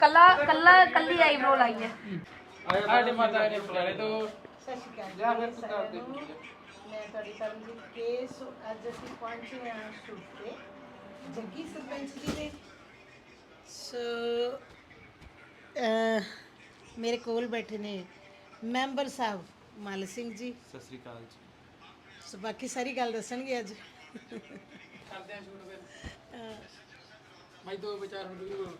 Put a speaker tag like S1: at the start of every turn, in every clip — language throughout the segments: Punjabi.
S1: ਕੱਲਾ ਕੱਲਾ ਕੱਲੀ ਆਈਬ੍ਰੋ ਲਾਈ ਹੈ।
S2: ਸਾਡੇ ਮਾਤਾ ਨੇ ਬੁਲਾਣੇ ਤੋਂ
S3: ਸਤਿ ਸ਼੍ਰੀ ਅਕਾਲ ਜੀ ਸਾਰਿਆਂ ਨੂੰ। ਮੈਂ ਤੁਹਾਡੀ ਪਰਮਜੀਤ ਕੇਸ। ਅੱਜ ਅਸੀਂ ਪਹੁੰਚੇ ਹਾਂ ਸ਼ੂਟ ਤੇ ਜੱਗੀ ਸਰਪੰਚ ਜੀ ਦੇ। ਸੋ ਮੇਰੇ ਕੋਲ ਬੈਠੇ ਨੇ ਮੈਂਬਰ ਸਾਹਿਬ ਮਲ ਸਿੰਘ ਜੀ।
S2: ਸਤਿ ਸ੍ਰੀ ਅਕਾਲ ਜੀ।
S3: ਸੋ ਬਾਕੀ ਸਾਰੀ ਗੱਲ ਦੱਸਣਗੇ ਅੱਜ।
S2: ਕਰਦੇ ਆ ਸ਼ੂਟ ਫਿਰ ਮੈਂ ਦੋ ਵਿਚਾਰ ਹੁਣ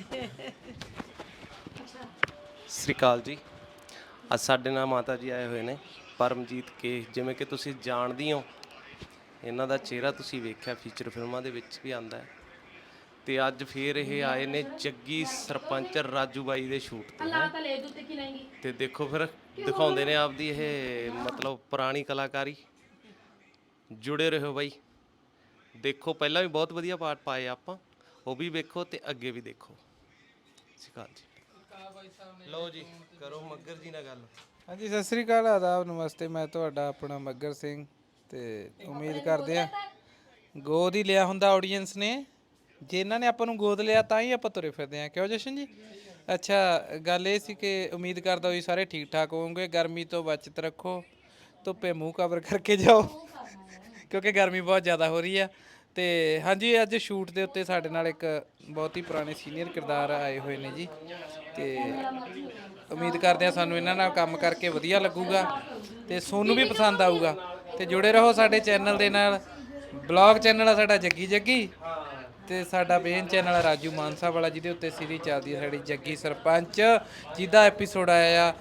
S4: ਸਤਿ ਸ਼੍ਰੀ ਅਕਾਲ ਜੀ। ਅੱਜ ਸਾਡੇ ਨਾਲ ਮਾਤਾ ਜੀ ਆਏ ਹੋਏ ਨੇ ਪਰਮਜੀਤ ਕੇ। ਜਿਵੇਂ ਕਿ ਤੁਸੀਂ ਜਾਣਦੇ ਹੋ, ਇਹਨਾਂ ਦਾ ਚਿਹਰਾ ਤੁਸੀਂ ਵੇਖਿਆ ਫੀਚਰ ਫਿਲਮਾਂ ਦੇ ਵਿੱਚ ਵੀ ਆਉਂਦਾ ਹੈ, ਤੇ ਅੱਜ ਫੇਰ ਇਹ ਆਏ ਨੇ ਜੱਗੀ ਸਰਪੰਚ ਰਾਜੂ ਬਾਈ ਦੇ ਸ਼ੂਟ ਤੇ। ਤੇ ਦੇਖੋ ਫਿਰ ਦਿਖਾਉਂਦੇ ਨੇ ਆਪਦੀ ਇਹ ਮਤਲਬ ਪੁਰਾਣੀ ਕਲਾਕਾਰੀ। ਜੁੜੇ ਰਹੋ ਬਾਈ, ਦੇਖੋ ਪਹਿਲਾਂ ਵੀ ਬਹੁਤ ਵਧੀਆ ਪਾਰਟ ਪਾਏ ਆਪਾਂ, ਉਹ ਵੀ ਵੇਖੋ ਤੇ ਅੱਗੇ ਵੀ ਦੇਖੋ। ਸਤਿ ਸ਼੍ਰੀ ਅਕਾਲ ਜੀ। ਲਓ ਜੀ ਕਰੋ ਮੱਗਰ ਜੀ ਨਾਲ ਗੱਲ।
S5: ਹਾਂਜੀ ਸਤਿ ਸ੍ਰੀ ਅਕਾਲ, ਆਦਾਬ, ਨਮਸਤੇ। ਮੈਂ ਤੁਹਾਡਾ ਆਪਣਾ ਮੱਗਰ ਸਿੰਘ, ਤੇ ਉਮੀਦ ਕਰਦੇ ਆ ਗੋਦ ਹੀ ਲਿਆ ਹੁੰਦਾ ਆਡੀਅנס ਨੇ। ਜੇ ਇਹਨਾਂ ਨੇ ਆਪਾਂ ਨੂੰ ਗੋਦ ਲਿਆ ਤਾਂ ਹੀ ਆਪਾਂ ਤੁਰੇ ਫਿਰਦੇ ਆ, ਕਿਉਂ ਜਸ਼ਨ ਜੀ? ਅੱਛਾ, ਗੱਲ ਇਹ ਸੀ ਕਿ ਉਮੀਦ ਕਰਦਾ ਹੋਈ ਸਾਰੇ ਠੀਕ ਠਾਕ ਹੋਵੋਗੇ। ਗਰਮੀ ਤੋਂ ਬਚਤ ਰੱਖੋ, ਧੁੱਪੇ ਮੂੰਹ ਕਵਰ ਕਰਕੇ ਜਾਓ ਕਿਉਂਕਿ ਗਰਮੀ ਬਹੁਤ ਜ਼ਿਆਦਾ ਹੋ ਰਹੀ ਆ। ਤੇ ਹਾਂਜੀ, ਅੱਜ ਸ਼ੂਟ ਦੇ ਉੱਤੇ ਸਾਡੇ ਨਾਲ ਇੱਕ ਬਹੁਤ ਹੀ ਪੁਰਾਣੇ ਸੀਨੀਅਰ ਕਿਰਦਾਰ ਆਏ ਹੋਏ ਨੇ ਜੀ, ਤੇ ਉਮੀਦ ਕਰਦੇ ਆ ਸਾਨੂੰ ਇਹਨਾਂ ਨਾਲ ਕੰਮ ਕਰਕੇ ਵਧੀਆ ਲੱਗੂਗਾ ਤੇ ਸੋਨੂੰ ਵੀ ਪਸੰਦ ਆਊਗਾ। ਤੇ ਜੁੜੇ ਰਹੋ ਸਾਡੇ ਚੈਨਲ ਦੇ ਨਾਲ। ਬਲੌਗ ਚੈਨਲ ਆ ਸਾਡਾ ਜੱਗੀ ਜੱਗੀ, ਤੇ ਸਾਡਾ ਮੇਨ ਚੈਨਲ ਆ ਰਾਜੂ ਮਾਨਸਾ ਵਾਲਾ, ਜਿਹਦੇ ਉੱਤੇ ਸੀਰੀਜ਼ ਚੱਲਦੀ ਹੈ ਸਾਡੀ ਜੱਗੀ ਸਰਪੰਚ, ਜਿਹਦਾ ਐਪੀਸੋਡ ਆਇਆ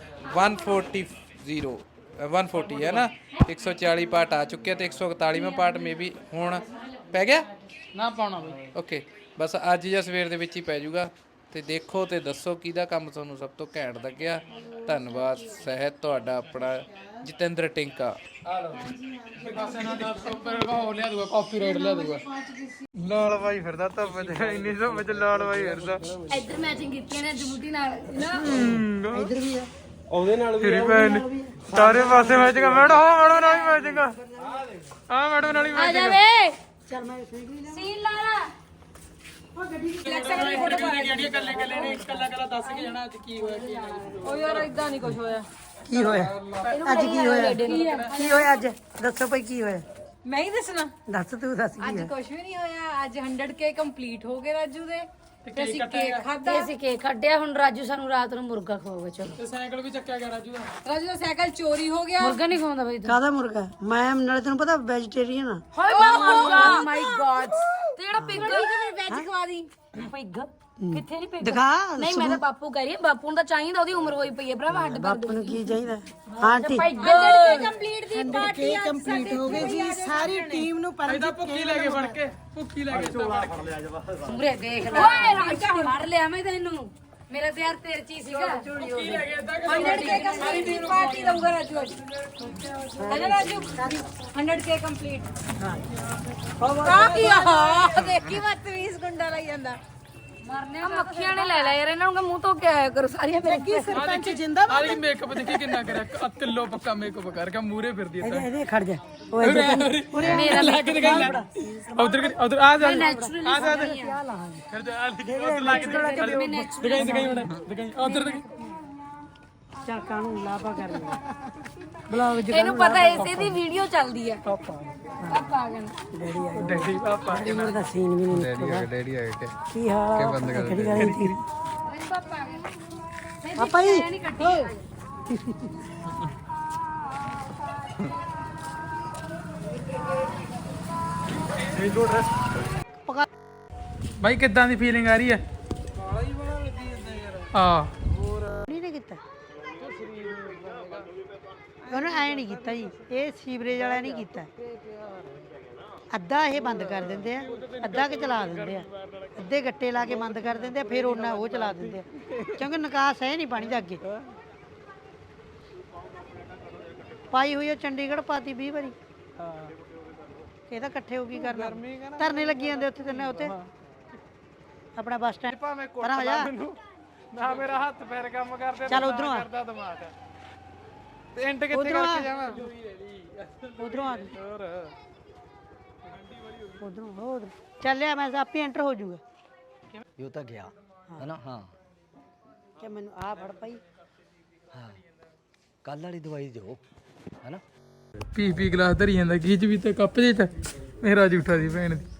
S5: 140 ਹੈ ਨਾ। 140 ਪਾਰਟ ਆ ਚੁੱਕਿਆ ਤੇ 141ਵਾਂ ਪਾਰਟ ਮੇ ਵੀ ਹੁਣ ਪੈ ਗਿਆ
S2: ਨਾ ਪਾਉਣਾ ਬਈ।
S5: ਓਕੇ, ਬਸ ਅੱਜ ਜਾਂ ਸਵੇਰ ਦੇ ਵਿੱਚ ਹੀ ਪੈ ਜਾਊਗਾ। ਤੇ ਦੇਖੋ ਤੇ ਦੱਸੋ ਕਿਹਦਾ ਕੰਮ ਤੁਹਾਨੂੰ ਸਭ ਤੋਂ ਘੈਂਟ ਲੱਗਿਆ। ਧੰਨਵਾਦ। ਸਹਿਤ ਤੁਹਾਡਾ ਆਪਣਾ ਜਤਿੰਦਰ ਟਿੰਕਾ।
S2: ਬਸ ਇਹਨਾਂ ਦਾ ਉੱਪਰ ਉਹ ਲਿਆ ਦੂਗਾ, ਕਾਪੀਰਾਈਟ ਲਿਆ ਦੂਗਾ।
S5: ਲਾਲ ਬਾਈ ਫਿਰਦਾ ਧੁੱਪ ਚ, ਇੰਨੀ ਧੁੱਪ ਚ ਲਾਲ ਬਾਈ ਫਿਰਦਾ।
S1: ਇੱਧਰ ਮੈਚਿੰਗ ਕੀਤੀਆਂ ਨੇ ਜਮੂਟੀ ਨਾਲ।
S3: ਇੱਧਰ ਵੀ ਆ
S4: ਉਹਦੇ ਨਾਲ ਵੀ
S5: ਤੇਰੀ ਭੈਣ ਨੇ ਸਾਰੇ ਪਾਸੇ ਮੈਚਿੰਗ। ਮੈਡਮ ਮੈਡਮ ਨਾਲ ਵੀ ਮੈਚਿੰਗ ਆ, ਮੈਡਮ ਨਾਲ ਵੀ
S1: ਆ
S5: ਮੈਚਿੰਗ।
S1: ਜਾਵੇ
S3: ਚੱਲ ਮੈਂ ਸਹੀ
S1: ਸੀਨ ਲਾ ਲਾ।
S2: ਕੱਲੇ ਕੱਲੇ ਨੇ ਕੱਲਾ ਕੱਲਾ ਦੱਸ ਕੇ ਜਾਣਾ ਅੱਜ ਕੀ ਹੋਇਆ ਕੀ ਨਹੀਂ।
S1: ਓ ਯਾਰ ਇਦਾਂ ਨਹੀਂ ਕੁਝ ਹੋਇਆ।
S3: ਕੀ ਹੋਇਆ ਅੱਜ? ਕੀ ਹੋਇਆ? ਕੀ ਹੋਇਆ ਅੱਜ? ਦੱਸੋ ਭਾਈ ਕੀ ਹੋਇਆ?
S1: ਮੈਂ ਹੀ ਦੱਸਣਾ।
S3: ਦੱਸ ਤੂੰ ਦੱਸ ਕੀ
S1: ਅੱਜ
S3: ਹੋਇਆ?
S1: ਕੁਝ ਵੀ ਨਹੀਂ ਹੋਇਆ। ਅੱਜ 100K ਕੰਪਲੀਟ ਹੋ ਗਏ ਰਾਜੂ ਦੇ, ਤੇ ਅਸੀਂ
S2: ਕੱਟਿਆ
S1: ਕੇਕ ਖਾਧਾ। ਅਸੀਂ ਕੇਕ ਕੱਢਿਆ। ਹੁਣ ਰਾਜੂ ਸਾਨੂੰ ਰਾਤ ਨੂੰ ਮੁਰਗਾ ਖਵਾਉਗਾ। ਚਲੋ,
S2: ਤੇ ਸਾਈਕਲ ਵੀ ਚੱਕਿਆ ਗਿਆ ਰਾਜੂ ਦਾ।
S1: ਰਾਜੂ ਦਾ ਸਾਈਕਲ ਚੋਰੀ ਹੋ ਗਿਆ। ਮੁਰਗਾ ਨਹੀਂ ਖਵਾਉਂਦਾ ਬਈ ਤੂੰ।
S3: ਕਾਹਦਾ ਮੁਰਗਾ? ਮੈਂ ਨਾਲੇ ਤੈਨੂੰ ਪਤਾ ਵੈਜੀਟੇਰੀਅਨ ਆ।
S1: ਹਾਏ ਮੁਰਗਾ, ਮਾਈ ਗॉड। ਤੇ ਜਿਹੜਾ ਪਿੱਗ ਵੈਜ ਖਵਾ ਦੀ। ਪਿੱਗ ਕਿੱਥੇ ਨਹੀਂ ਪਿੱਗ?
S3: ਦਿਖਾ।
S1: ਨਹੀਂ, ਮੈਂ ਤਾਂ ਬਾਪੂ ਕਹਿ ਰਹੀ ਹਾਂ, ਬਾਪੂ ਨੂੰ ਤਾਂ ਚਾਹੀਦਾ, ਉਹਦੀ ਉਮਰ ਹੋਈ ਪਈ ਹੈ ਭਰਾਵਾ। ਹੱਡ
S3: ਬਾਪੂ ਨੂੰ ਕੀ ਚਾਹੀਦਾ? ਆਂਟੀ
S1: ਕੰਪਲੀਟ ਦੀ ਪਾਰਟੀ ਅੱਜ
S3: ਕੰਪਲੀਟ ਹੋ ਗਈ ਜੀ। ਸਾਰੀ ਟੀਮ ਨੂੰ
S2: ਇਹਦਾ ਭੁੱਖੀ ਲੈ ਕੇ ਫੜ ਕੇ, ਭੁੱਖੀ ਲੈ ਕੇ ਚੋਲਾ ਫੜ ਲਿਆ ਜਵਾ।
S1: ਉਮਰੇ ਦੇਖ ਲੈ। ਓਏ ਰਾਜਾ ਮਾਰ ਲਿਆ ਮੈਂ ਤੈਨੂੰ। ਮੇਰਾ ਤੇ ਯਾਰ ਤੇਰੇ ਚ ਹੀ ਸੀਗਾ।
S2: ਭੁੱਖੀ ਲੈ ਕੇ ਇਦਾਂ
S1: 100K ਕੰਪਲੀਟ ਦੀ ਪਾਰਟੀ ਦਊਗਾ ਰਾਜੂ ਅੱਜ। ਹੈ ਨਾ ਰਾਜੂ? 100K complete. ਕਾ ਕੀ ਆ? ਦੇਖੀ ਮਤ 20 ਗੁੰਡਾ ਲਈ ਜਾਂਦਾ। ਮਰਨੇ ਮੱਖੀਆਂ ਨੇ ਲੈ ਲਿਆ ਯਾਰ ਇਹਨਾਂ ਨੂੰ। ਮੂੰਹ ਤੋਂ ਕੀ ਆਇਆ ਕਰੋ ਸਾਰੀਆਂ ਮੇਰੇ ਕੀ
S3: ਸਰਪੰਚ ਜਿੰਦਾ
S2: ਆਲੀ ਮੇਕਅਪ ਦੇਖੀ ਕਿੰਨਾ ਕਰਿਆ। ਕਿਲੋ ਪੱਕਾ ਮੇਕਅਪ ਕਰਕੇ ਮੂਰੇ ਫਿਰਦੀ ਐ।
S3: ਇਹਦੇ ਖੜ ਜਾ। ਓਏ
S1: ਮੇਰਾ
S2: ਲਾ ਕੇ ਦਿਖਾਈ ਲੈ। ਉਧਰ ਆ ਜਾ
S1: ਨੈਚੁਰਲੀ
S2: ਆ ਜਾ ਫਿਰ ਜਾ ਉਧਰ ਲਾ ਕੇ ਦਿਖਾਈ ਦਿਖਾਈ ਹੁਣ ਦਿਖਾਈ ਉਧਰ ਦਿਖਾਈ।
S3: ਚੱਲ ਕਾਨੂੰ ਲਾਪਾ ਕਰ ਲੈ। ਬਲੌਗ
S1: ਇਹਨੂੰ ਪਤਾ ਇਸੇ ਦੀ ਵੀਡੀਓ ਚੱਲਦੀ ਹੈ। ਪਾਪਾ ਆ ਗਿਆ।
S2: ਡੈਡੀ ਪਾਪਾ
S3: ਉਮਰ ਦਾ ਸੀਨ ਵੀ ਨਹੀਂ ਨਿਕਲਦਾ।
S5: ਡੈਡੀ ਆ ਗਏ।
S3: ਕੀ ਹਾਲ ਆ? ਕਿਹੜੀ ਗੱਲ ਸੀ?
S1: ਪਾਪਾ ਆ ਗਿਆ।
S3: ਪਾਪਾ ਜੀ
S1: ਨਹੀਂ ਕੱਟੀ।
S2: ਭਾਈ ਕਿੱਦਾਂ ਦੀ ਫੀਲਿੰਗ ਆ ਰਹੀ ਹੈ? ਹਾਂ
S3: ਨਹੀਂ ਕੀਤਾ ਉਹਨੇ ਐ ਨਹੀਂ ਕੀਤਾ ਜੀ। ਇਹ ਸੀਵਰੇਜ ਵਾਲਾ ਨਹੀਂ ਕੀਤਾ। ਅੱਧਾ ਇਹ ਬੰਦ ਕਰ ਦਿੰਦੇ ਆ, ਅੱਧਾ ਕਿ ਚਲਾ ਦਿੰਦੇ ਆ। ਅੱਧੇ ਗੱਟੇ ਲਾ ਕੇ ਬੰਦ ਕਰ ਦਿੰਦੇ ਆ, ਫਿਰ ਉਹਨਾਂ ਉਹ ਚਲਾ ਦਿੰਦੇ ਆ, ਕਿਉਂਕਿ ਨਿਕਾਸ ਹੈ ਨਹੀਂ ਪਾਣੀ ਦਾ ਅੱਗੇ। ਪਾਈ ਹੋਈ ਆ ਚੰਡੀਗੜ੍ਹ, ਪਾਤੀ 20 ਵਾਰੀ। ਇਹ ਤਾਂ ਇਕੱਠੇ ਹੋ ਕੀ ਕਰਨਾ? ਧਰਨੇ ਲੱਗੀ ਜਾਂਦੇ ਉੱਥੇ ਤੇ ਉੱਥੇ ਆਪਣਾ ਬੱਸ ਸਟੈਂਡ ਪਰਾਂ ਹੋ ਜਾ।
S5: ਨਾ ਮੇਰਾ ਹੱਥ ਪੈਰ ਕੰਮ ਕਰਦੇ।
S3: ਚੱਲ ਉਧਰੋਂ ਆ।
S5: ਕਰਦਾ ਦਿਮਾਗ ਤੇ ਐਂਡ ਕਿੱਥੇ ਕਰਕੇ ਜਾਵਾਂ?
S3: ਉਧਰੋਂ ਆ।
S5: ਹੋਰ
S3: ਉਧਰੋਂ ਚੱਲਿਆ। ਮੈਂ ਆਪੇ ਐਂਟਰ ਹੋ ਜਾਊਗਾ।
S6: यो तक गया है ना। हाँ
S3: ਕਿ ਮੈਨੂੰ ਆਹ ਫੜ ਪਈ
S6: ਹਾਂ ਕੱਲ ਵਾਲੀ ਦਵਾਈ ਦਿਓ ਹੈਨਾ।
S2: ਪੀ ਗਲਾਸ ਧਰੀ ਜਾਂਦਾ ਕੀ ਚ ਵੀ ਤੇ ਕੱਪ ਜੇ ਚ ਮੇਰਾ ਝੂਠਾ ਸੀ ਭੈਣ ਦੀ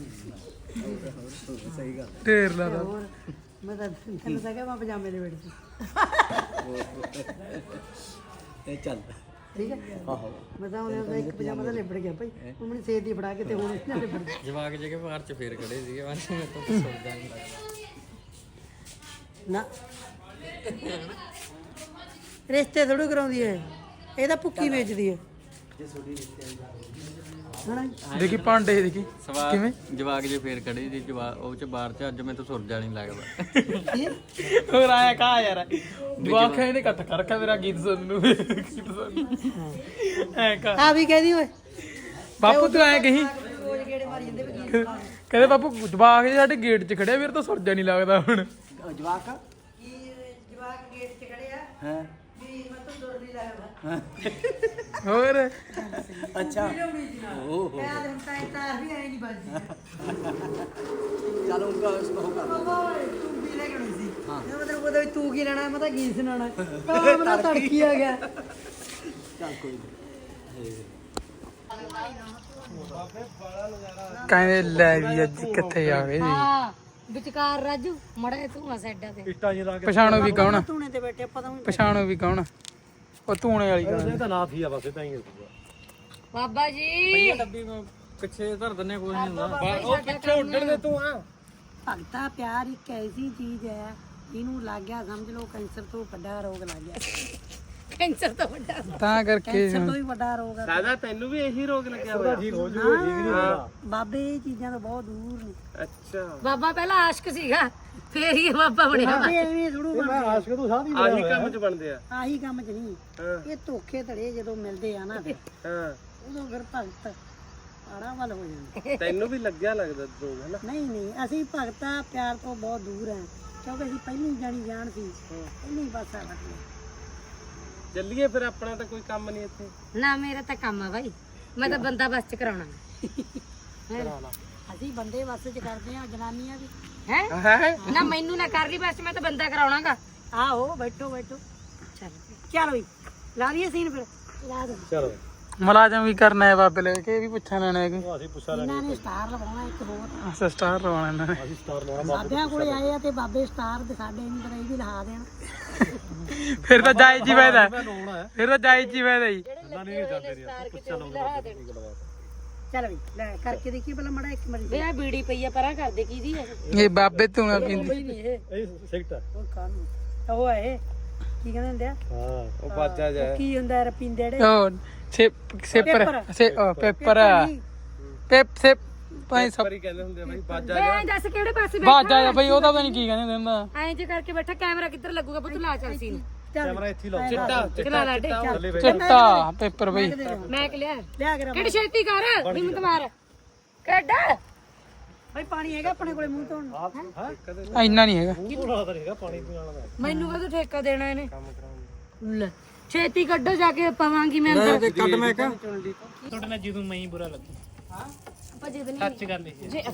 S6: ਸਹੀ ਗੱਲ।
S2: ਢੇਰ ਲਾ ਦਾ
S3: ਹੋਰ ਮੈਂ ਤਾਂ ਤੈਨੂੰ ਤਾਂ ਕਿਹਾ ਮੈਂ ਪਜਾਮੇ ਦੇ ਵਿੱਚ
S6: ਇਹ ਚੱਲ
S3: ਠੀਕ ਹੈ।
S6: ਆਹੋ
S3: ਮੈਂ ਤਾਂ ਉਹਨੇ ਇੱਕ ਪਜਾਮਾ ਤਾਂ ਲਿਬੜ ਗਿਆ ਭਾਈ ਉਹ ਮੈਨੂੰ ਸੇਧ ਦੀ ਫੜਾ ਕੇ ਤੇ ਹੁਣ ਇਹਨਾਂ ਲਿਬੜ ਗਿਆ
S7: ਜਵਾਕ ਜੇ ਕੇ ਬਾਹਰ ਚ ਫੇਰ ਖੜੇ ਸੀਗੇ ਮੈਂ ਤਾਂ ਸੋਚਦਾ ਨਹੀਂ
S3: ਨਾ ਰਿਸ਼ਤੇ ਥੋੜੂ ਕਰਾਉਂਦੀ ਹੈ ਇਹ ਤਾਂ ਭੁੱਕੀ ਵੇਚਦੀ ਹੈ ਹਣਾ
S2: ਦੇਖੀ ਭਾਂਡੇ ਦੇਖੀ ਕਿਵੇਂ
S7: ਜਵਾਕ ਜੇ ਫੇਰ ਖੜੇ ਸੀ ਉਹ ਚ ਬਾਹਰ ਚ ਅੱਜ ਮੈਂ ਤਾਂ ਸੁਰਜਾ ਨਹੀਂ ਲੱਗਦਾ।
S2: ਹੋਰ ਆਇਆ ਕਾ ਯਾਰ ਜਵਾਕ ਇਹਨੇ ਇਕੱਠ ਕਰ ਰੱਖਿਆ ਮੇਰਾ ਗੀਤ ਸੁਣਨ ਨੂੰ ਗੀਤ ਸੁਣਨ ਐ ਕਾ
S3: ਆ ਵੀ ਕਹਦੀ ਓਏ
S2: ਬਾਪੂ ਤੂੰ ਐ ਕਹੀਂ
S3: ਰੋਜ਼ ਗੇੜੇ ਮਾਰੀ ਜਾਂਦੇ ਵੀ
S2: ਕਹਿੰਦੇ ਬਾਪੂ ਜਵਾਕ ਜੇ ਸਾਡੇ ਗੇਟ 'ਚ ਖੜਿਆ ਵੀਰ ਤਾਂ ਸੁਰਜਾ ਨਹੀਂ ਲੱਗਦਾ ਹੁਣ
S6: ਜਵਾਕ
S3: ਕੀ ਜਵਾਕ ਗੇਟ 'ਚ ਖੜੇ ਆ
S6: ਹਾਂ
S3: ਵੀ ਮੈਂ ਤਾਂ ਦੁਰ ਨਹੀਂ ਲੱਗਦਾ
S2: ਹੋਰ
S6: ਅੱਛਾ
S3: ਓਹ ਯਾਰ ਹੁਣ ਤਾਂ ਤਾਰ ਵੀ ਆਈ ਨਹੀਂ ਬਾਜੀ
S6: ਚਲ ਉਨਕਾ ਉਹ ਕਰ
S3: ਓਏ ਤੂੰ ਵੀ ਲੈ ਕੇ ਆਉਣੀ ਸੀ ਇਹ ਮਤਲਬ ਉਹਦਾ ਵੀ ਤੂੰ ਕੀ ਲੈਣਾ ਮੈਂ ਤਾਂ ਕੀ ਸੁਣਾਉਣਾ ਤਾਂ ਮੇਰਾ ਤੜਕੀ ਆ ਗਿਆ
S6: ਚੱਲ ਕੋਈ ਨਹੀਂ।
S2: ਕਹਿੰਦੇ ਲੈ ਵੀ ਅੱਜ ਕਿੱਥੇ ਆ ਗਏ ਜੀ
S1: ਹਾਂ ਵਿਚਕਾਰ ਰਾਜੂ ਮੜਾ ਤੂੰ ਆ ਸਾਈਡਾਂ ਤੇ
S2: ਪਛਾਣੋ ਵੀ ਕੌਣ
S3: ਤੂਨੇ ਤੇ ਬੈਠੇ ਪਤਾ ਨਹੀਂ
S2: ਪਛਾਣੋ ਵੀ ਕੌਣ ਉਹ ਧੂਣੇ ਵਾਲੀ ਕੌਣ
S6: ਤਾਂ ਨਾ ਫੀ ਆ ਬਸ ਤਾਂ ਹੀ
S1: ਬਾਬਾ ਜੀ
S7: ਡੱਬੀ ਪਿੱਛੇ ਧਰ ਦਿੰਨੇ ਕੋਈ ਨਹੀਂ ਹੁੰਦਾ।
S2: ਉਹ ਪਿੱਛੇ ਉੱਡਣ ਦੇ ਤੂੰ ਆ
S3: ਭਗਤਾ ਪਿਆਰ ਇੱਕ ਐਸੀ ਚੀਜ਼ ਹੈ ਇਹਨੂੰ ਲੱਗ ਗਿਆ ਸਮਝ ਲਓ ਕੈਂਸਰ ਤੋਂ ਵੱਡਾ ਰੋਗ ਲੱਗ ਗਿਆ
S1: ਕੈਂਸਰ ਤੋਂ ਵੱਡਾ
S2: ਤਾਂ ਕਰਕੇ
S3: ਕੈਂਸਰ ਤੋਂ ਵੀ ਵੱਡਾ ਰੋਗ ਹੈ
S4: ਦਾਦਾ ਤੈਨੂੰ ਵੀ ਇਹੀ ਰੋਗ ਲੱਗਿਆ ਹੋਇਆ
S3: ਹਾਂ, ਬਾਬੇ ਇਹ ਚੀਜ਼ਾਂ ਤੋਂ ਬਹੁਤ ਦੂਰ ਨੇ
S4: ਅੱਛਾ
S1: ਬਾਬਾ ਪਹਿਲਾਂ ਆਸ਼ਕ ਸੀਗਾ ਫੇਰ ਹੀ ਬਾਬਾ ਬਣਿਆ
S3: ਬਾਬੇ ਐਵੇਂ ਥੋੜੂ
S6: ਆਸ਼ਕ ਤੂੰ ਸਾਹ
S4: ਆਹੀ ਕੰਮ 'ਚ ਬਣਦੇ ਆ
S3: ਆਹੀ ਕੰਮ ਚ ਨਹੀਂ
S4: ਹਾਂ
S3: ਇਹ ਧੋਖੇ ਧੜੇ ਜਦੋਂ ਮਿਲਦੇ ਆ ਨਾ ਫਿਰ
S4: ਹਾਂ
S3: ਉਦੋਂ ਫਿਰ ਭਗਤ ਆੜਾ ਵੱਲ ਹੋ ਜਾਂਦਾ
S4: ਤੈਨੂੰ ਵੀ ਲੱਗਿਆ ਲੱਗਦਾ ਰੋਗ ਹੈ ਨਾ
S3: ਨਹੀਂ ਅਸੀਂ ਭਗਤਾ ਪਿਆਰ ਤੋਂ ਬਹੁਤ ਦੂਰ ਹੈ ਕਿਉਂਕਿ ਅਸੀਂ ਪਹਿਲੀ ਜਾਣੀ ਜਾਣ ਸੀ ਪਹਿਲੀ ਪਾਸਾ ਵਟਿਆ
S4: ਚੱਲੀਏ ਫਿਰ ਆਪਣਾ ਤਾਂ ਕੋਈ ਕੰਮ ਨਹੀਂ ਇੱਥੇ
S1: ਨਾ ਮੇਰਾ ਤਾਂ ਕੰਮ ਆ ਭਾਈ ਮੈਂ ਤਾਂ ਬੰਦਾ ਬਸ ਚ ਕਰਾਉਣਾ
S3: ਅਸੀਂ ਬੰਦੇ ਵਸ ਚ ਕਰਦੇ ਆ ਜਨਾਨੀਆਂ ਵੀ
S1: ਹੈ ਨਾ ਮੈਨੂੰ ਨਾ ਕਰ ਲਈ ਬਸ ਮੈਂ ਤਾਂ ਬੰਦਾ ਕਰਾਉਣਾਗਾ
S3: ਆਹੋ ਬੈਠੋ ਚਲ ਵੀ ਲਾ ਦਈਏ ਸੀਨ ਫਿਰ ਲਾ ਦੋ
S6: ਚਲੋ
S2: ਮੁਲਾਜ਼ਮ ਵੀ ਕਰਨਾ ਹੈ ਬਾਬੇ ਲੈ ਕੇ ਇਹ ਵੀ ਪੁੱਛਣ ਲੈਣਾ ਹੈ ਕੋਈ
S6: ਅਸੀਂ ਪੁੱਛ
S3: ਇਹਨਾਂ ਨੇ ਸਟਾਰ ਲਵਾਉਣਾ ਇੱਕ ਹੋਰ
S2: ਅੱਛਾ ਸਟਾਰ ਲਵਾਉਣਾ ਇਹਨਾਂ ਨੇ
S6: ਅਸੀਂ ਸਟਾਰ ਲਾਉਣਾ
S3: ਬਾਬਿਆਂ ਕੋਲੇ ਆਏ ਆ ਤੇ ਬਾਬੇ ਸਟਾਰ ਦਿਖਾਦੇ ਨਹੀਂ ਪਰ ਇਹ ਵੀ ਲਹਾ ਦੇਣ
S2: ਫਿਰ ਤਾਂ ਜਾਇਜ਼ ਹੀ ਫਾਇਦਾ ਫਿਰ ਤਾਂ ਜਾਇਜ਼ ਹੀ ਫਾਇਦਾ ਜੀ
S3: ਚਲ ਵੀ ਲੈ ਕਰਕੇ ਦੇਖੀ ਪਹਿਲਾਂ ਮੜਾ ਇੱਕ ਮਰੀ
S1: ਵੇ ਆ ਬੀੜੀ ਪਈ ਆ ਪਰਾਂ ਕਰਦੇ ਕੀ ਦੀ ਹੈ
S2: ਇਹ ਬਾਬੇ ਧੂਣਾ ਪੀਂਦੇ
S3: ਨਹੀਂ ਇਹ
S6: ਇਹ ਸਿਗਟ
S3: ਉਹ ਕਾਨੂੰ ਉਹ ਹੈ ਇਹ ਕੀ ਕਹਿੰਦੇ ਹੁੰਦੇ ਆ
S6: ਹਾਂ
S4: ਉਹ ਬਾਜਾ ਜਾ
S3: ਉਹ ਕੀ ਹੁੰਦਾ ਰਪੀਂਦੇ ਜਿਹੜੇ
S2: ਉਹ ਸੇਪਰ ਪੇਪਰ ਸੇ ਭਾਈ ਸਭ
S4: ਪਰ ਹੀ ਕਹਿੰਦੇ ਹੁੰਦੇ ਆ ਬਾਈ ਬਾਜਾ
S1: ਵੇ ਦੱਸ ਕਿਹੜੇ ਪਾਸੇ
S2: ਬਾਜਾ ਜਾ ਬਈ ਉਹਦਾ ਤਾਂ ਨਹੀਂ ਕੀ ਕਹਿੰਦੇ ਹੁੰਦਾ
S1: ਐਂ ਜੇ ਕਰਕੇ ਬੈਠਾ ਕੈਮਰਾ ਕਿੱਧਰ ਲੱਗੂਗਾ ਪੁੱਤ ਲਾ ਚੱਲ ਸੀ
S6: ਕੈਮਰਾ ਇੱਥੇ ਲਾਓ
S1: ਚਲਾ ਲਾ ਡੇ
S2: ਚਿੱਟਾ ਪੇਪਰ ਬਈ
S1: ਮੈਂ ਕਿ ਲਿਆ
S3: ਲਿਆ ਕੇ
S1: ਕਿਹੜੀ ਛੇਤੀ ਕਰ ਹਿੰਮਤ ਮਾਰ ਕੱਢ
S3: ਭਾਈ ਪਾਣੀ ਹੈਗਾ ਆਪਣੇ ਕੋਲੇ ਮੂੰਹ ਧੋਣ ਨੂੰ
S2: ਇੰਨਾ ਨਹੀਂ ਹੈਗਾ
S1: ਮੈਨੂੰ ਕਦੋਂ ਠੇਕਾ ਦੇਣਾ ਇਹਨੇ ਲੈ ਛੇਤੀ ਕੱਢੋ ਜਾ ਕੇ ਪਵਾਂਗੀ ਮੈਂ ਅੰਦਰ
S7: ਕੱਢ ਮੈਂ ਕਾ
S2: ਤੁਹਾਡੇ ਨਾਲ ਜਦੋਂ ਮੈਂ ਹੀ ਬੁਰਾ ਲੱਗੂ
S1: ਆਪਾਂ ਜਿੱਦ ਨਹੀਂ
S2: ਸੱਚ ਗੱਲ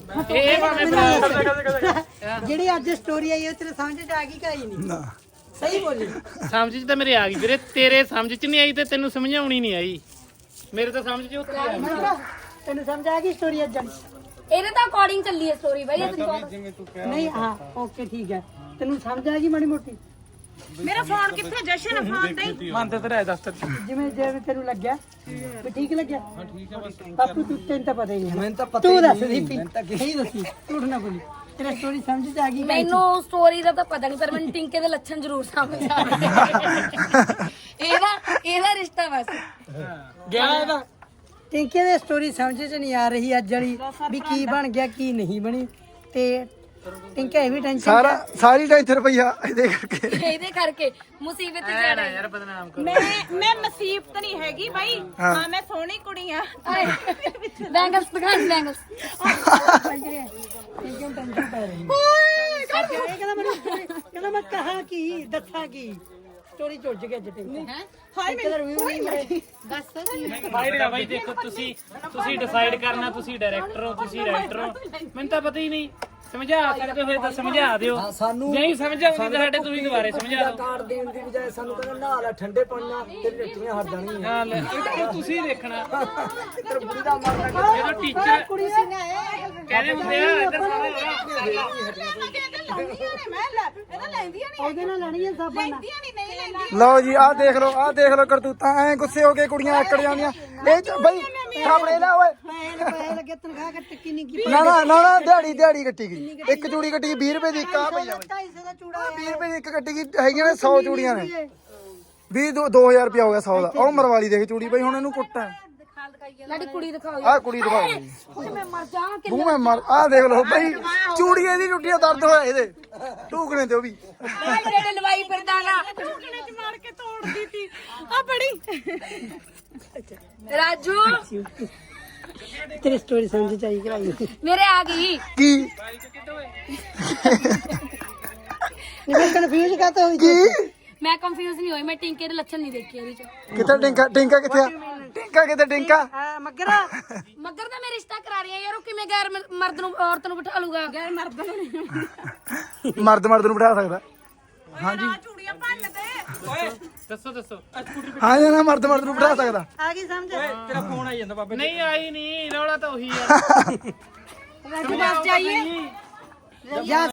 S3: ਜਿਹੜੀ ਅੱਜ ਸਟੋਰੀ ਆਈ ਉਹ ਤੇਰੇ ਸਮਝ ਚ ਆ ਗਈ ਕਾਈ ਨਹੀਂ ਸਹੀ ਬੋਲੀ
S2: ਸਮਝ ਚ ਤਾਂ ਮੇਰੇ ਆ ਗਈ ਵੀਰੇ ਤੇਰੇ ਸਮਝ ਚ ਨਹੀਂ ਆਈ ਤੇ ਤੈਨੂੰ ਸਮਝਾਉਣੀ ਨਹੀਂ ਆਈ ਮੇਰੇ ਤਾਂ ਸਮਝ ਚ ਉੱਤੇ ਆ ਗਈ
S3: ਤੈਨੂੰ ਸਮਝ ਆ ਗਈ ਸਟੋਰੀ ਅੱਜ
S1: ਇਹਦੇ ਤਾਂ ਅਕੋਰਡਿੰਗ ਚੱਲੀ ਹੈ ਸਟੋਰੀ ਬਾਈ
S3: ਨਹੀਂ ਹਾਂ ਓਕੇ ਠੀਕ ਹੈ ਤੈਨੂੰ ਸਮਝ ਆ ਗਈ ਮਾੜੀ ਮੋਟੀ
S1: ਮੇਰਾ ਫੋਨ ਕਿੱਥੇ ਜਸ਼ਨ ਫੋਨ ਤੇ
S2: ਮੰਨ ਤੇ ਰਹਿ ਦਫ਼ਤਰ
S3: ਜਿਵੇਂ ਤੈਨੂੰ ਲੱਗਿਆ ਵੀ ਠੀਕ ਲੱਗਿਆ ਹਾਂ ਠੀਕ ਹੈ ਬਸ ਬਾਪੂ ਤੈਨੂੰ ਤਾਂ ਪਤਾ ਹੀ ਨਹੀਂ ਮੈਨੂੰ ਤਾਂ ਪਤਾ ਤੂੰ ਦੱਸ ਦੀਪੀ ਸਹੀ ਦੱਸੀ ਝੂਠ ਨਾ ਬੋਲੀ ਤੇਰਾ ਸਟੋਰੀ ਸਮਝ ਚ ਆ ਗਈ
S1: ਮੈਨੂੰ ਸਟੋਰੀ ਦਾ ਤਾਂ ਪਤਾ ਨਹੀਂ ਪਰ ਮੈਨੂੰ ਟਿੰਕੇ ਦੇ ਲੱਛਣ ਜ਼ਰੂਰ ਸਮਝ ਆ ਗਏ ਇਹਦਾ ਰਿਸ਼ਤਾ ਬਸ
S2: ਗਿਆ ਇਹਦਾ
S3: ਟਿੰਕੇ ਦੀ ਸਟੋਰੀ ਸਮਝ ਚ ਨਹੀਂ ਆ ਰਹੀ ਅੱਜ ਵਾਲੀ ਵੀ ਕੀ ਬਣ ਗਿਆ ਕੀ ਨਹੀਂ ਬਣੀ ਤੇ ਟਿੰਕਾ ਇਹ ਵੀ ਟੈਨਸ਼ਨ
S6: ਸਾਰੀ ਟੈਨਸ਼ਨ ਰੁਪਈਆ
S1: ਇਹਦੇ ਕਰਕੇ ਮੁਸੀਬਤ ਜਾਣਾ
S2: ਯਾਰ ਬਦਨਾਮ
S8: ਮੈਂ ਮੁਸੀਬਤ ਨਹੀਂ ਹੈਗੀ ਬਾਈ ਹਾਂ ਮੈਂ ਸੋਹਣੀ ਕੁੜੀ ਆ
S1: ਬੈਂਗਲਸ ਦਿਖਾਣ ਬੈਂਗਲਸ
S3: ਟਿੰਕੇ ਟੈਨਸ਼ਨ ਪੈ ਰਹੀ ਅੱਜ ਇਹ ਕਹਿੰਦਾ ਮੈਂ ਕਹਾ ਕੀ ਦੱਸਾਂ ਕੀ ਸਟੋਰੀ ਝੁੱਜ ਗਿਆ ਅੱਜ ਟਿੰਕੇ
S8: ਹਾਏ ਮੈਨੂੰ
S2: ਫਾਈਟ ਬਾਈ ਦੇਖੋ ਤੁਸੀਂ ਡਿਸਾਈਡ ਕਰਨਾ ਤੁਸੀਂ ਡਾਇਰੈਕਟਰ ਹੋ ਤੁਸੀਂ ਰਾਈਟਰ ਹੋ ਮੈਨੂੰ ਤਾਂ ਪਤਾ ਹੀ ਨਹੀਂ ਸਮਝਾ ਸਕਦੇ ਹੋਏ ਤਾਂ ਸਮਝਾ ਦਿਓ
S6: ਸਾਨੂੰ
S2: ਨਹੀਂ ਸਮਝਾਉਂਦੇ ਤਾਂ ਸਾਡੇ ਤੁਸੀਂ ਦੁਬਾਰੇ ਸਮਝਾ ਦਿਓ
S6: ਕਾਰਡ ਦੇਣ ਦੀ ਬਜਾਏ ਸਾਨੂੰ ਕਹਿੰਦਾ ਨਹਾ ਲੈ ਠੰਡੇ ਪਾਣੀ ਨਾਲ ਤੇਰੀ ਟੱਟੀਆਂ ਹਟ ਜਾਣਗੀਆਂ
S2: ਹਾਂ ਲੈ ਇਹ ਤਾਂ ਹੁਣ ਤੁਸੀਂ ਦੇਖਣਾ
S6: ਤੇਰੇ ਬੁੜੀ ਦਾ ਮਰ ਲੱਗਾ
S2: ਜਦੋਂ ਟੀਚਰ ਕਹਿੰਦੇ ਹੁੰਦੇ ਆ ਇੱਧਰ ਸਾਰੇ
S3: ਉਹਦੇ ਨਾਲ ਲੜੀਆਂ ਸਾਬਾਂ ਨਾਲ
S9: ਲਓ ਜੀ ਆਹ ਦੇਖ ਲਓ ਕਰਤੂਤਾਂ ਐ ਗੁੱਸੇ ਹੋ ਕੇ ਕੁੜੀਆਂ ਆਕੜ ਜਾਂਦੀਆਂ ਇਹ ਚ ਬਈ ਸਾਹਮਣੇ ਲੈ ਓਏ
S3: ਪੈਸੇ ਲੱਗੇ ਤਨਖਾਹ ਕੱਟ ਕਿੰਨੀ ਕੀ
S9: ਨਾ ਦਿਹਾੜੀ ਕੱਟੀ ਗਈ ਇੱਕ ਚੂੜੀ ਕੱਟੀ ਗਈ 20 ਰੁਪਏ ਦੀ ਇੱਕ ਆ ਪਈ ਆ ਬਈ
S3: 250 ਦਾ ਚੂੜਾ
S9: 20 ਰੁਪਏ ਦੀ ਇੱਕ ਕੱਟੀ ਗਈ ਹੈਗੀਆਂ ਨੇ 100 ਚੂੜੀਆਂ ਨੇ 2000 ਰੁਪਇਆ ਹੋ ਗਿਆ 100 ਦਾ ਉਹ ਮਰਵਾਲੀ ਦੇਖ ਚੂੜੀ ਬਈ ਹੁਣ ਇਹਨੂੰ ਕੁੱਟਾਂ
S1: ਲਾਡੀ ਕੁੜੀ ਦਿਖਾਓ
S9: ਆਹ ਕੁੜੀ ਦਿਖਾਓ
S1: ਮੈਂ ਮਰ ਜਾ
S9: ਮੂੰਹ ਮੈਂ ਮਰ ਆਹ ਦੇਖ ਲਓ ਬਈ ਚੂੜੀ ਇਹਦੀ ਟੁੱਟੀਆਂ ਦਰਦ ਹੋਇਆ ਇਹਦੇ ਟੂਕਣੇ ਤੇ ਉਹ ਵੀ
S1: ਜਿਹੜੇ ਲਵਾਈ ਫਿਰਦਾ ਨਾ
S8: ਟੁਕੜੇ ਚ ਮਾਰ ਕੇ ਤੋੜਦੀ ਤੀ ਆ ਬੜੀ
S1: ਰਾਜੂ
S3: ਤੇਰੀ ਸਟੋਰੀ ਸਮਝ ਚਾਹੀ ਕਰਾਈ
S1: ਮੇਰੇ ਆ ਗਈ
S9: ਕੀ
S3: ਮੈਂ ਕਨਫਿਊਜ਼ ਕਾਤੇ ਹੋਈ
S9: ਕੀ
S1: ਮੈਂ ਕੰਫਿਊਜ਼ ਨਹੀਂ ਹੋਈ ਮੈਂ ਟਿੰਕੇ ਦੇ ਲੱਛਣ ਨਹੀਂ ਦੇਖੇ ਇਹਦੇ ਚ
S9: ਕਿੱਥੇ ਟਿੰਕਾ ਕਿੱਥੇ ਆ ਟਿੰਕਾ
S3: ਮੱਗਰਾ
S1: ਮੱਗਰ ਦਾ ਮੈਂ ਰਿਸ਼ਤਾ ਕਰਾ ਰਹੀ ਆ ਯਾਰ ਉਹ ਕਿਵੇਂ ਗੈਰ ਮਰਦ ਨੂੰ ਔਰਤ ਨੂੰ ਬਿਠਾ ਲੂਗਾ ਗੈਰ ਮਰਦ ਨੂੰ
S9: ਮਰਦ ਨੂੰ ਬਿਠਾ ਸਕਦਾ
S8: ਚੂੜੀਆਂ ਭੰਨ ਦੇ
S2: ਦੱਸੋ
S9: ਹਾਂ ਜੀ ਨਾ ਮਰਦ ਨੂੰ ਬਿਠਾ ਸਕਦਾ
S3: ਆ ਗਈ ਸਮਝ
S2: ਤੇਰਾ ਫੋਨ ਆਈ ਜਾਂਦਾ ਬਾਬੇ ਨਹੀਂ ਆਈ ਨਹੀਂ ਰੌਲਾ ਤਾਂ ਉਹੀ ਆ
S1: ਰਾਜੂ ਬਾਸ ਜਾਈਏ
S3: ਜਾ